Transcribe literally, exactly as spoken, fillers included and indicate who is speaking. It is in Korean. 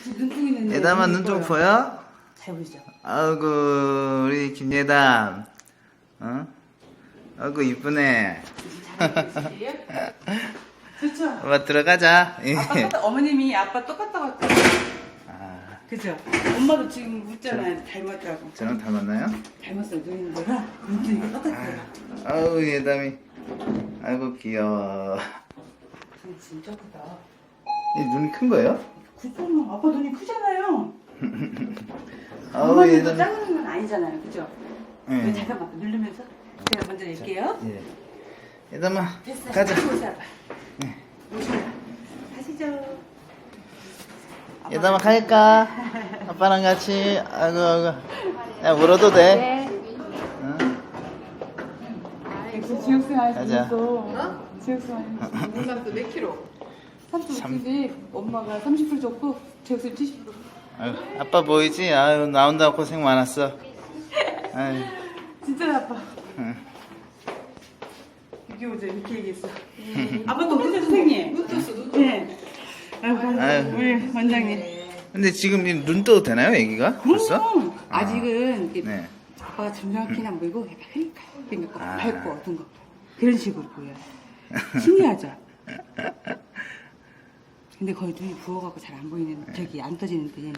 Speaker 1: 눈뜨고 있는데.
Speaker 2: 예담아 눈좀 보여?
Speaker 1: 잘 보이죠?
Speaker 2: 아이고 우리 김예담. 어? 아이고 이쁘네.
Speaker 1: 그렇죠.
Speaker 2: 아빠 들어가자.
Speaker 1: 아빠 똑같, 어머님이 아빠 똑같다고 했잖아.
Speaker 2: 아,
Speaker 1: 그죠? 엄마도 지금 묻잖아요. 닮았다고.
Speaker 2: 저랑 닮았나요?
Speaker 1: 닮았어요. 눈인 거랑 눈뜨기가 똑같아요.
Speaker 2: 아우 예담이. 아이고 귀여워.
Speaker 1: 눈 진짜 크다.
Speaker 2: 이 눈이 큰 거예요?
Speaker 1: 그거는 아빠 눈이 크잖아요.
Speaker 2: 아우
Speaker 1: 엄마 눈도
Speaker 2: 예담이.
Speaker 1: 작은 건 아니잖아요. 그죠?
Speaker 2: 응.
Speaker 1: 잠깐만 누르면서 제가 먼저 낼게요.
Speaker 2: 예. 예담아
Speaker 1: 됐어요.
Speaker 2: 가자.
Speaker 1: 오세요, 아빠. 오세요. 가시죠.
Speaker 2: 예담아 갈까? 아빠랑 같이. 아이고 아이고. 야 울어도 돼.
Speaker 1: 네.
Speaker 2: 응?
Speaker 1: 역시 지옥생 아저씨
Speaker 2: 가자.
Speaker 1: 있어. 어? 지옥생 아저씨.
Speaker 3: 문감도 몇 킬로?
Speaker 1: 삼십오 킬로씩 엄마가 삼십 킬로 줬고 지옥생 칠십 킬로.
Speaker 2: 아유, 아빠 보이지? 아유 나온다고 고생 많았어. 아유.
Speaker 1: 진짜 아빠.
Speaker 2: 응.
Speaker 1: 이렇게 오죠. 이렇게 얘기했어. 아빠 또 그죠 선생님?
Speaker 3: 눈 떴어, 눈 떴어.
Speaker 1: 네. 아유,
Speaker 2: 아유.
Speaker 1: 우리 원장님.
Speaker 2: 근데 지금 이눈 떠도 되나요, 애기가? 벌써?
Speaker 1: 그럼 아직은 이렇게
Speaker 2: 네.
Speaker 1: 아빠가 정확히는 안 보이고 약간 흐리까 그러니까
Speaker 2: 아.
Speaker 1: 밝고 어떤 거 그런 식으로 보여요. 신기하죠? 근데 거의 눈이 부어갖고 잘 안 보이는 저기 안 떠지는데